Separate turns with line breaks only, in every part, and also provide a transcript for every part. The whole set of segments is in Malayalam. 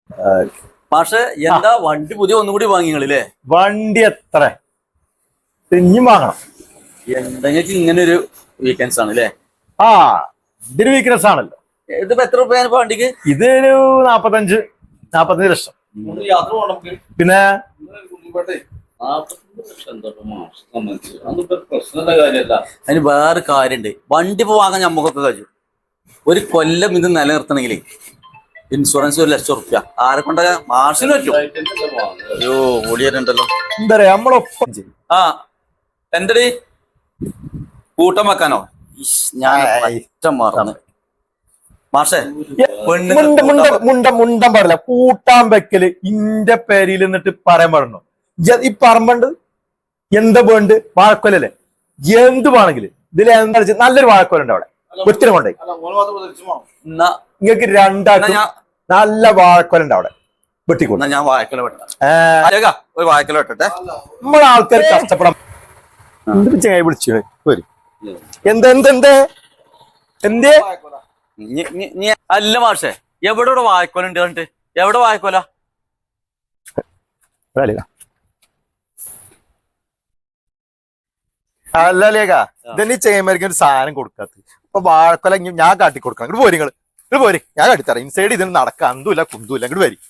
പക്ഷെ എന്താ വണ്ടി പുതിയ ഒന്നുകൂടി വാങ്ങിങ്ങളില്ലേ?
വണ്ടി എത്ര ഇനിയും വാങ്ങണം.
എന്തെങ്കിലും ഇങ്ങനെ ഒരു വീക്കെൻഡ്സ് ആണ് അല്ലേ?
ആ ഇതൊരു വീക്ക്നെസ് ആണല്ലോ.
ഇതിപ്പോ എത്ര രൂപയാണ് ഇപ്പൊ വണ്ടിക്ക്?
ഇതൊരു 45 ലക്ഷം.
യാത്ര പോകണം നമുക്ക്.
പിന്നെ
അതിന് വേറെ കാര്യണ്ട്. വണ്ടി ഇപ്പൊ വാങ്ങാൻ ഞമ്മക്കൊക്കെ കഴിയും. ഒരു കൊല്ലം ഇത് നിലനിർത്തണമെങ്കിലേ ഇൻഷുറൻസ് 1 ലക്ഷം റുപ്യ ആരെ കൊണ്ട മാർഷിന് പറ്റും. അയ്യോ ഓടിയാലുണ്ടല്ലോ.
എന്താ പറയാ നമ്മളൊപ്പം
ആ എന്തടി കൂട്ടം വെക്കാനോ? ഞാൻ മറന്നു മാഷേ.
മുണ്ടം പാടില്ല. കൂട്ടാൻ വെക്കല് ഇന്റെ പേരിൽ എന്നിട്ട് പറയാൻ പാടുന്നു. ഈ പറമ്പണ്ട് എന്താ വേണ്ട വാഴക്കൊലല്ലേ? എന്ത് വേണമെങ്കിലും ഇതിൽ എന്താ നല്ലൊരു വാഴക്കൊലുണ്ട് അവിടെ. ഒത്തിരി കൊണ്ടേ നിങ്ങൾക്ക് രണ്ടാക്കും നല്ല വാഴക്കൊലുണ്ട് അവിടെ. വെട്ടിക്കൊണ്ട്
ഞാൻ വാഴക്കൊല വെട്ടാം. ഒരു വാഴക്കൊല വെട്ടട്ടെ.
നമ്മളെ ആൾക്കാർ കഷ്ടപ്പെടാം. ചങ്ങായി വിളിച്ചു എന്തേ
അല്ല മാഷേ, എവിടെ വാഴക്കൊല ഉണ്ട് കണ്ടിട്ട്? എവിടെ വാഴക്കൊല?
അല്ല ലേഖ ഇതന്നെ ചെങ്ങന്മാർക്ക് ഒരു സാധനം കൊടുക്കാത്ത. ഇപ്പൊ വാഴക്കൊല ഞാൻ കാട്ടി കൊടുക്കണം. ഇങ്ങോട്ട് പോരി ഇങ്ങോട്ട് പോരി, ഞാൻ കാട്ടിത്തരാം. ഇൻസൈഡ് ഇതിന് നടക്കാം. അന്തുമില്ല കുന്തുമില്ല. ഇങ്ങോട്ട് വരി.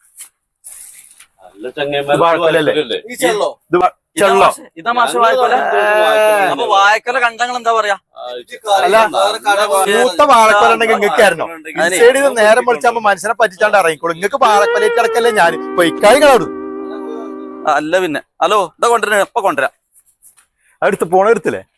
ഇതാ മാഷ വാഴക്കൊല. അപ്പൊ വാഴക്കൊല കണ്ടങ്ങൾ എന്താ പറയാ?
അല്ല മൂത്ത വാഴക്കൊല ഉണ്ടെങ്കിൽ നിങ്ങൾക്കായിരുന്നോ? ഇൻസൈഡ് ഇത് നേരം വിളിച്ചാകുമ്പോ മനുഷ്യനെ പറ്റിച്ചാണ്ട് ഇറങ്ങിക്കോളും. നിങ്ങൾക്ക് വാഴക്കൊലയിട്ട് കിടക്കല്ലേ ഞാൻ പൊയ്ക്കാളികളോട്.
അല്ല പിന്നെ ഹലോ ഇതാ കൊണ്ടുവരാ. എപ്പൊ കൊണ്ടുവരാം.
അടുത്ത് പോണെടുത്തില്ലേ?